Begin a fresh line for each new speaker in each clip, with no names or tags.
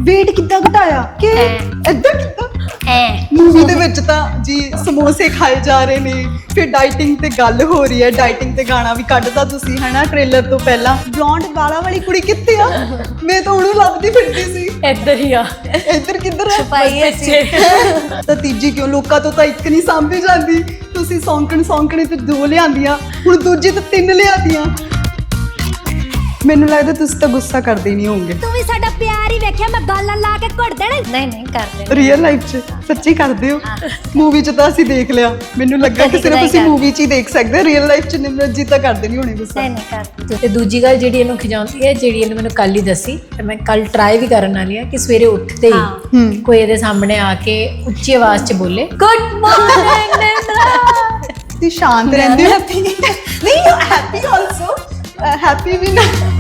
weight ਕਿੱਦਾਂ ਘਟਾਇਆ ਕਿ ਏਦਾਂ ਕਿੱਦਾਂ ਮੂਵੀ ਦੇ ਵਿੱਚ ਤਾਂ ਜੀ ਸਮੋਸੇ ਖਾਏ ਜਾ ਰਹੇ ਨੇ, ਫਿਰ ਡਾਈਟਿੰਗ ਤੇ ਗੱਲ ਹੋ ਰਹੀ ਹੈ, ਡਾਈਟਿੰਗ ਤੇ ਗਾਣਾ ਵੀ ਕੱਢਦਾ ਤੁਸੀਂ ਹਨਾ ਟ੍ਰੇਲਰ ਤੋਂ ਪਹਿਲਾਂ। ਬਲੌਂਡ ਵਾਲਾਂ ਵਾਲੀ ਕੁੜੀ ਕਿੱਥੇ ਆ? ਮੈਂ ਤਾਂ ਉਹਨੂੰ ਲੱਭਦੀ ਫਿਰਦੀ ਸੀ।
ਇੱਧਰ ਹੀ ਆ।
ਇੱਧਰ ਕਿੱਧਰ ਹੈ? ਤਾਂ ਤੀਜੀ ਕਿਉਂ? ਲੋਕਾਂ ਤੋਂ ਤਾਂ ਇੱਕ ਨਹੀਂ ਸਾਂਭੀ ਜਾਂਦੀ, ਤੁਸੀਂ ਸੌਂਕਣੇ ਤੇ 2 ਲਿਆਂਦੀਆਂ, ਹੁਣ ਦੂਜੀ ਤੇ 3 ਲਿਆਂਦੀਆਂ। ਮੈਨੂੰ ਲੱਗਦਾ ਤੁਸੀਂ ਤਾਂ ਗੁੱਸਾ ਕਰਦੇ ਨਹੀਂ ਹੋਵੋਗੇ।
ਤੂੰ ਵੀ ਸਾਡਾ ਪਿਆਰ ਹੀ ਵੇਖਿਆ, ਮੈਂ ਗਾਲਾਂ ਲਾ ਕੇ ਘੁੱਟ ਦੇਣਾ।
ਨਹੀਂ ਕਰਦੇ
ਰੀਅਲ ਲਾਈਫ 'ਚ ਸੱਚੀ ਕਰਦੇ ਹੋ? ਮੂਵੀ 'ਚ ਤਾਂ ਅਸੀਂ ਦੇਖ ਲਿਆ, ਮੈਨੂੰ ਲੱਗਾ ਕਿ ਸਿਰਫ ਅਸੀਂ ਮੂਵੀ 'ਚ ਹੀ ਦੇਖ ਸਕਦੇ, ਰੀਅਲ ਲਾਈਫ 'ਚ ਨਿਮਰਤ ਜੀ ਤਾਂ ਕਰਦੇ ਨਹੀਂ ਹੋਣੇ ਗੁੱਸਾ।
ਨਹੀਂ ਕਰਦੇ। ਤੇ ਦੂਜੀ ਗੱਲ ਜਿਹੜੀ ਇਹਨੂੰ ਖਿਜਾਉਂਦੀ ਹੈ, ਜਿਹੜੀ ਇਹਨੇ ਮੈਨੂੰ ਕੱਲ ਹੀ ਦੱਸੀ ਤੇ ਮੈਂ ਕੱਲ ਟਰਾਈ ਵੀ ਕਰਨ ਵਾਲੀ ਆ, ਕਿ ਸਵੇਰੇ ਉੱਠਦੇ ਹੀ ਕੋਈ ਇਹਦੇ ਸਾਹਮਣੇ ਆ ਕੇ ਉੱਚੀ ਆਵਾਜ਼ 'ਚ ਬੋਲੇ ਗੁੱਡ ਮਾਰਨਿੰਗ ਨਿੰਦਰਾ।
ਤੁਸੀਂ ਸ਼ਾਂਤ ਰਹਿੰਦੇ ਹੋ? ਹੈਪੀ ਨਹੀਂ, ਹੈਪੀ ਆਲਸੋ, ਹੈਪੀ ਵੀ ਨਾ।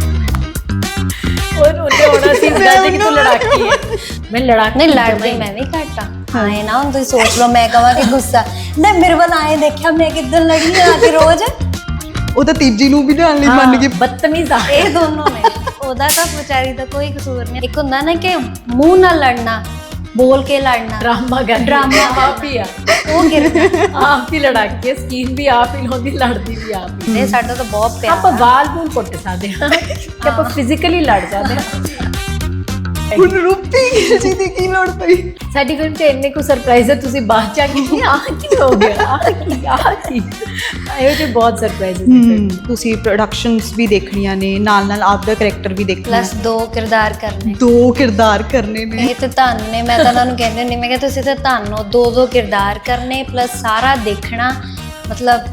और उन्हें होना सी बता दे कि तू लड़ाकी है। मैं लड़ाकी
नहीं लड़ती मैं भी घट हाँ है ना। तुम सोच लो मैं कहा कि गुस्सा नहीं मेरे वाल आए देखा मैं किधर लड़ी आके रोज
ਉਹ ਤਾਂ ਤੀਜੀ ਨੂੰ ਵੀ ਲਿਆਉਣ ਲਈ ਮੰਨ ਗਈ।
बदतमीज आ
ਇਹ ਦੋਨੋਂ ਨੇ। ਉਹਦਾ ਤਾਂ ਵਿਚਾਰੀ ਦਾ ਕੋਈ ਕਸੂਰ ਨਹੀਂ। ਇੱਕ ਹੁੰਦਾ ਨਾ ਕਿ ਮੂੰਹ ਨਾਲ ਲੜਨਾ, बोल के लड़ना,
ड्रामा कर
ड्रामा
आप ही आ।
वो गिरना।
आप ही लड़ाकी है, स्कीन भी आप ही लाਉਂਦੀ, ਲੜਦੀ ਵੀ ਆਪ ਹੀ।
ਇਹ ਸਾਡਾ ਤਾਂ ਬਹੁਤ ਪਿਆਰ।
ਆਪਾਂ ਵਾਲ ਵੂਲ ਕੁੱਟ ਸਕਦੇ ਹਾਂ ਕਿ ਆਪਾਂ ਫਿਜ਼ੀਕਲੀ ਲੜ ਸਕਦੇ ਹਾਂ।
ਹੁਣ ਰੂਪੀ ਜੀ ਦੀ ਕੀ ਲੋੜ ਪਈ?
ਸਾਡੀ ਫਿਲਮ 'ਚ ਇੰਨੇ ਕੁ ਸਰਪ੍ਰਾਈਜ਼ ਹੈ, ਤੁਸੀਂ ਬਾਅਦ 'ਚ ਆ ਕੇ ਆਹ ਕੀ ਹੋ ਗਿਆ, ਆਹ ਕੀ ਇਹੋ ਜਿਹੇ ਬਹੁਤ ਸਰਪ੍ਰਾਈਜ਼ ਹੈ।
ਤੁਸੀਂ ਪ੍ਰੋਡਕਸ਼ਨਸ ਵੀ ਦੇਖਣੀਆਂ ਨੇ, ਨਾਲ ਨਾਲ ਆਪ ਦਾ ਕਰੈਕਟਰ ਵੀ ਦੇਖਣਾ,
ਪਲੱਸ 2 ਕਿਰਦਾਰ ਕਰਨੇ,
2 ਕਿਰਦਾਰ ਕਰਨੇ ਨੇ।
ਇਹ ਤੇ ਧੰਨ ਨੇ। ਮੈਂ ਤਾਂ ਉਹਨਾਂ ਨੂੰ ਕਹਿੰਦੀ ਹੁੰਦੀ, ਮੈਂ ਕਿਹਾ ਤੁਸੀਂ ਤਾਂ ਧੰਨ ਹੋ, 2 ਕਿਰਦਾਰ ਕਰਨੇ ਪਲੱਸ ਸਾਰਾ ਦੇਖਣਾ। ਮਤਲਬ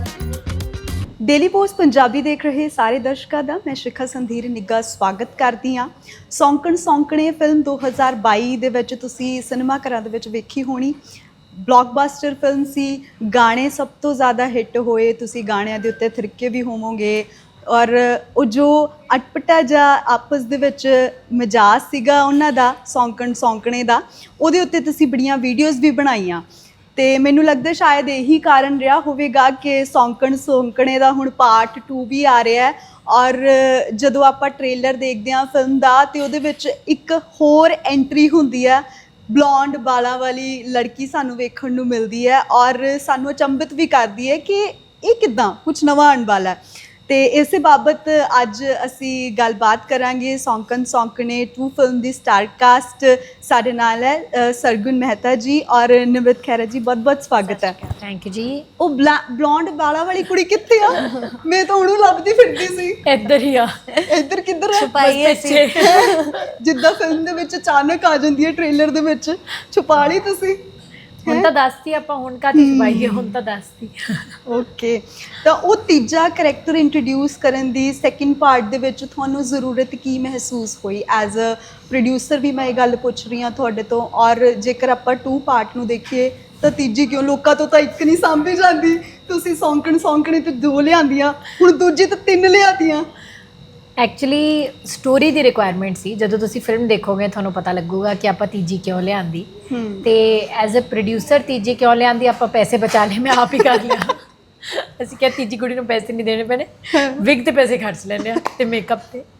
ਡੇਲੀ ਪੋਸਟ ਪੰਜਾਬੀ ਦੇਖ ਰਹੇ ਸਾਰੇ ਦਰਸ਼ਕਾਂ ਦਾ ਮੈਂ ਸ਼ਿਖਾ ਸੰਧੀਰ ਨਿੱਘਾ ਸਵਾਗਤ ਕਰਦੀ ਹਾਂ। ਸੌਂਕਣੇ ਫਿਲਮ 2022 ਦੇ ਵਿੱਚ ਤੁਸੀਂ ਸਿਨੇਮਾ ਘਰਾਂ ਦੇ ਵਿੱਚ ਵੇਖੀ ਹੋਣੀ। ਬਲੌਕਬਸਟਰ ਫਿਲਮ ਸੀ, ਗਾਣੇ ਸਭ ਤੋਂ ਜ਼ਿਆਦਾ ਹਿੱਟ ਹੋਏ, ਤੁਸੀਂ ਗਾਣਿਆਂ ਦੇ ਉੱਤੇ ਥਿਰਕੇ ਵੀ ਹੋਵੋਗੇ। ਔਰ ਉਹ ਜੋ ਅਟਪਟਾ ਜਿਹਾ ਆਪਸ ਦੇ ਵਿੱਚ ਮਜ਼ਾਜ ਸੀਗਾ ਉਹਨਾਂ ਦਾ, ਸੌਂਕਣੇ ਦਾ, ਉਹਦੇ ਉੱਤੇ ਤੁਸੀਂ ਬੜੀਆਂ ਵੀਡੀਓਜ਼ ਵੀ ਬਣਾਈਆਂ। ਤੇ ਮੈਨੂੰ ਲੱਗਦਾ ਸ਼ਾਇਦ ਇਹੀ ਕਾਰਨ ਰਿਹਾ ਹੋਵੇਗਾ ਕਿ ਸੌਂਕਣੇ ਦਾ ਹੁਣ ਪਾਰਟ 2 ਵੀ ਆ ਰਿਹਾ ਹੈ। ਔਰ ਜਦੋਂ ਆਪਾਂ ਟ੍ਰੇਲਰ ਦੇਖਦੇ ਹਾਂ ਫਿਲਮ ਦਾ, ਤੇ ਉਹਦੇ ਵਿੱਚ ਇੱਕ ਹੋਰ ਐਂਟਰੀ ਹੁੰਦੀ ਹੈ, ਬਲੌਂਡ ਵਾਲਾਂ ਵਾਲੀ ਲੜਕੀ ਸਾਨੂੰ ਵੇਖਣ ਨੂੰ ਮਿਲਦੀ ਹੈ ਔਰ ਸਾਨੂੰ ਅਚੰਭਿਤ ਵੀ ਕਰਦੀ ਹੈ ਕਿ ਇਹ ਕਿੱਦਾਂ ਕੁਝ ਨਵਾਂ ਆਉਣ ਵਾਲਾ ਹੈ। ਤੇ ਇਸੇ ਬਾਬਤ ਅੱਜ ਅਸੀਂ ਗੱਲਬਾਤ ਕਰਾਂਗੇ। ਸੌਂਕਣੇ 2 ਫਿਲਮ ਦੀ ਸਟਾਰ ਕਾਸਟ ਸਾਡੇ ਨਾਲ ਹੈ ਸਰਗੁਣ ਮਹਿਤਾ ਜੀ ਔਰ ਨਿਮਰਤ ਖਹਿਰਾ ਜੀ। ਬਹੁਤ ਬਹੁਤ ਸਵਾਗਤ ਹੈ।
ਥੈਂਕ ਯੂ ਜੀ।
ਉਹ ਬਲੌਂਡ ਵਾਲਾਂ ਵਾਲੀ ਕੁੜੀ ਕਿੱਥੇ ਆ? ਮੈਂ ਤਾਂ ਉਹਨੂੰ ਲੱਭਦੀ ਫਿਰਦੀ ਸੀ।
ਇੱਧਰ ਹੀ ਆ।
ਇੱਧਰ ਕਿੱਧਰ ਹੈ?
ਛੁਪਾਈ ਅਸੀਂ।
ਜਿੱਦਾਂ ਫਿਲਮ ਦੇ ਵਿੱਚ ਅਚਾਨਕ ਆ ਜਾਂਦੀ ਹੈ ਟ੍ਰੇਲਰ ਦੇ ਵਿੱਚ, ਛੁਪਾ ਲਈ ਤੁਸੀਂ।
ਹੁਣ ਤਾਂ ਦੱਸਤੀ ਆਪਾਂ, ਹੁਣ ਕਾਹਦੀ ਛੁਪਾਈ ਹੈ, ਹੁਣ ਤਾਂ ਦੱਸਤੀ।
ਓਕੇ, ਤਾਂ ਉਹ ਤੀਜਾ ਕਰੈਕਟਰ ਇੰਟਰੋਡਿਊਸ ਕਰਨ ਦੀ ਸੈਕਿੰਡ ਪਾਰਟ ਦੇ ਵਿੱਚ ਤੁਹਾਨੂੰ ਜ਼ਰੂਰਤ ਕੀ ਮਹਿਸੂਸ ਹੋਈ? ਐਜ਼ ਅ ਪ੍ਰੋਡਿਊਸਰ ਵੀ ਮੈਂ ਇਹ ਗੱਲ ਪੁੱਛ ਰਹੀ ਹਾਂ ਤੁਹਾਡੇ ਤੋਂ। ਔਰ ਜੇਕਰ ਆਪਾਂ 2 ਪਾਰਟ ਨੂੰ ਦੇਖੀਏ ਤਾਂ ਤੀਜੀ ਕਿਉਂ? ਲੋਕਾਂ ਤੋਂ ਤਾਂ ਇੱਕ ਨਹੀਂ ਸਾਂਭੀ ਜਾਂਦੀ, ਤੁਸੀਂ ਸੌਂਕਣੇ ਤੇ 2 ਲਿਆਂਦੀਆਂ, ਹੁਣ ਦੂਜੀ ਤੇ 3 ਲਿਆਂਦੀਆਂ।
ਐਕਚੁਅਲੀ ਸਟੋਰੀ ਦੀ ਰਿਕੁਆਇਰਮੈਂਟ ਸੀ। ਜਦੋਂ ਤੁਸੀਂ ਫਿਲਮ ਦੇਖੋਗੇ ਤੁਹਾਨੂੰ ਪਤਾ ਲੱਗੂਗਾ ਕਿ ਆਪਾਂ ਤੀਜੀ ਕਿਉਂ ਲਿਆਂਦੀ। ਤੇ ਐਜ਼ ਅ ਪ੍ਰੋਡਿਊਸਰ ਤੀਜੀ ਕਿਉਂ ਲਿਆਂਦੀ? ਆਪਾਂ ਪੈਸੇ ਬਚਾ ਲਏ, ਮੈਂ ਆਪ ਹੀ ਕਰ ਲਿਆ। ਅਸੀਂ ਕਿਹਾ ਤੀਜੀ ਕੁੜੀ ਨੂੰ ਪੈਸੇ ਨਹੀਂ ਦੇਣੇ ਪੈਣੇ, ਵਿਗ ਤੇ ਪੈਸੇ ਖਰਚ ਲੈਂਦੇ ਆ ਤੇ ਮੇਕਅਪ ਤੇ।